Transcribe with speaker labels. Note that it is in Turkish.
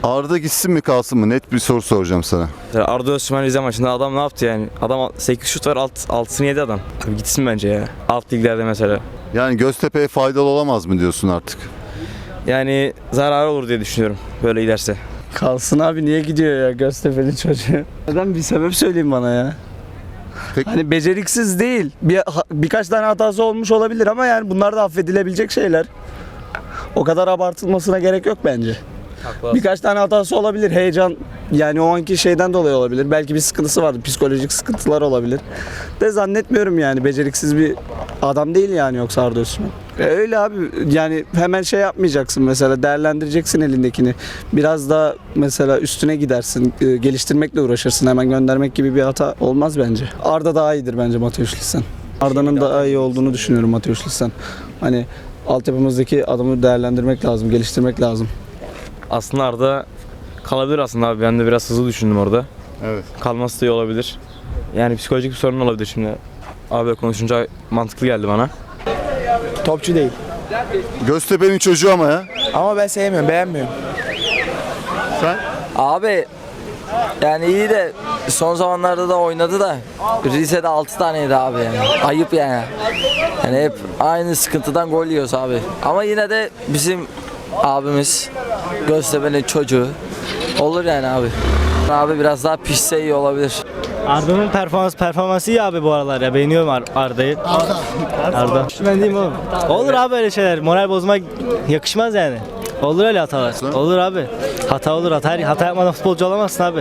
Speaker 1: Arda gitsin mi kalsın mı? Net bir soru soracağım sana.
Speaker 2: Arda Öztürk Rize maçında adam ne yaptı yani? Adam 8 şut var, 6'sını yedi adam. Abi gitsin bence ya. Alt liglerde mesela.
Speaker 1: Yani Göztepe'ye faydalı olamaz mı diyorsun artık?
Speaker 2: Yani zararı olur diye düşünüyorum böyle giderse.
Speaker 3: Kalsın abi, niye gidiyor ya Göztepe'li çocuğu? Neden, bir sebep söyleyeyim bana ya.
Speaker 1: Peki.
Speaker 3: Hani beceriksiz değil. Birkaç tane hatası olmuş olabilir ama yani bunlar da affedilebilecek şeyler. O kadar abartılmasına gerek yok bence. Birkaç tane hatası olabilir. Heyecan, yani o anki şeyden dolayı olabilir. Belki bir sıkıntısı vardı. Psikolojik sıkıntılar olabilir. De zannetmiyorum yani. Beceriksiz bir adam değil yani yoksa Arda Osman. Öyle abi, yani hemen şey yapmayacaksın mesela, değerlendireceksin elindekini. Biraz da mesela üstüne gidersin, geliştirmekle uğraşırsın. Hemen göndermek gibi bir hata olmaz bence. Arda daha iyidir bence Mateus Lissan. Arda'nın daha iyi olduğunu düşünüyorum Mateus Lissan. Hani altyapımızdaki adamı değerlendirmek lazım, geliştirmek lazım.
Speaker 2: Aslında Arda kalabilir aslında abi. Ben de biraz hızlı düşündüm orada.
Speaker 1: Evet.
Speaker 2: Kalması da iyi olabilir. Yani psikolojik bir sorun olabilir şimdi. Abi konuşunca mantıklı geldi bana.
Speaker 4: Topçu değil.
Speaker 1: Göztepe'nin çocuğu ama ya.
Speaker 4: Ama ben sevmiyorum, beğenmiyorum.
Speaker 1: Sen?
Speaker 5: Abi yani iyi de son zamanlarda da oynadı da Rize'de 6 taneydi abi yani. Ayıp yani. Yani hep aynı sıkıntıdan gol yiyoruz abi. Ama yine de bizim abimiz Göztepe'nin çocuğu olur yani abi. Abi biraz daha pişse iyi olabilir.
Speaker 6: Arda'nın performansı iyi abi bu aralar ya. Beğeniyorum Arda'yı. Arda. Ben diyeyim oğlum. Olur abi öyle şeyler. Moral bozmak yakışmaz yani. Olur öyle hatalar. Olur abi. Hata olur. Hata yapmadan futbolcu olamazsın abi.